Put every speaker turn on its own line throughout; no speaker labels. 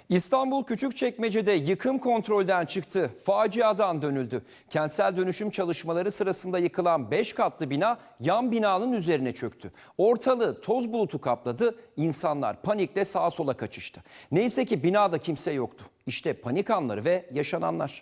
İstanbul Küçükçekmece'de yıkım kontrolden çıktı. Faciadan dönüldü. Kentsel dönüşüm çalışmaları sırasında yıkılan 5 katlı bina yan binanın üzerine çöktü. Ortalığı toz bulutu kapladı. İnsanlar panikle sağa sola kaçıştı. Neyse ki binada kimse yoktu. İşte panik anları ve yaşananlar.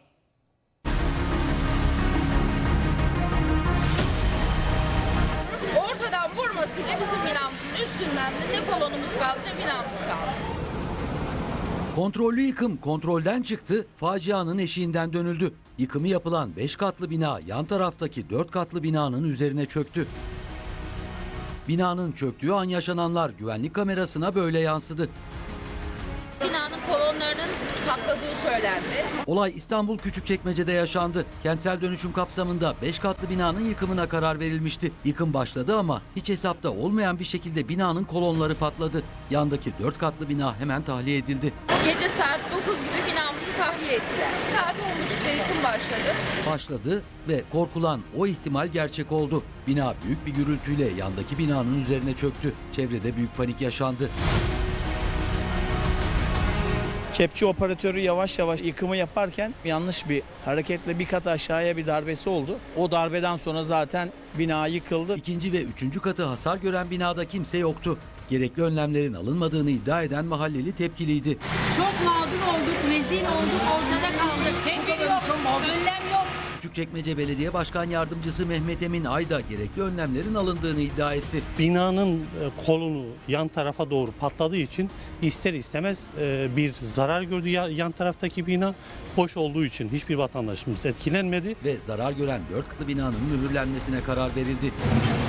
Ortadan vurmasıyla bizim binamızın üstünden de ne kolonumuz kaldı ne binamız kaldı.
Kontrollü yıkım kontrolden çıktı, facianın eşiğinden dönüldü. Yıkımı yapılan 5 katlı bina yan taraftaki 4 katlı binanın üzerine çöktü. Binanın çöktüğü an yaşananlar güvenlik kamerasına böyle yansıdı.
Binanın kolonlarının patladığı söylendi.
Olay İstanbul Küçükçekmece'de yaşandı. Kentsel dönüşüm kapsamında 5 katlı binanın yıkımına karar verilmişti. Yıkım başladı ama hiç hesapta olmayan bir şekilde binanın kolonları patladı. Yandaki 4 katlı bina hemen tahliye edildi.
Gece saat 9 gibi binamızı tahliye ettiler. Saat 10.30'da yıkım
Başladı ve korkulan o ihtimal gerçek oldu. Bina büyük bir gürültüyle yandaki binanın üzerine çöktü. Çevrede büyük panik yaşandı.
Kepçe operatörü yavaş yavaş yıkımı yaparken yanlış bir hareketle bir kat aşağıya bir darbesi oldu. O darbeden sonra zaten bina yıkıldı.
İkinci ve üçüncü katı hasar gören binada kimse yoktu. Gerekli önlemlerin alınmadığını iddia eden mahalleli tepkiliydi.
Çok mağdur olduk, rezil olduk, ortada kaldık. Tedbir yok, önlem yok.
Küçükçekmece Belediye Başkan Yardımcısı Mehmet Emin Ayda gerekli önlemlerin alındığını iddia etti.
Binanın kolonu yan tarafa doğru patladığı için ister istemez bir zarar gördü. Yan taraftaki bina boş olduğu için hiçbir vatandaşımız etkilenmedi.
Ve zarar gören 4 katlı binanın mühürlenmesine karar verildi.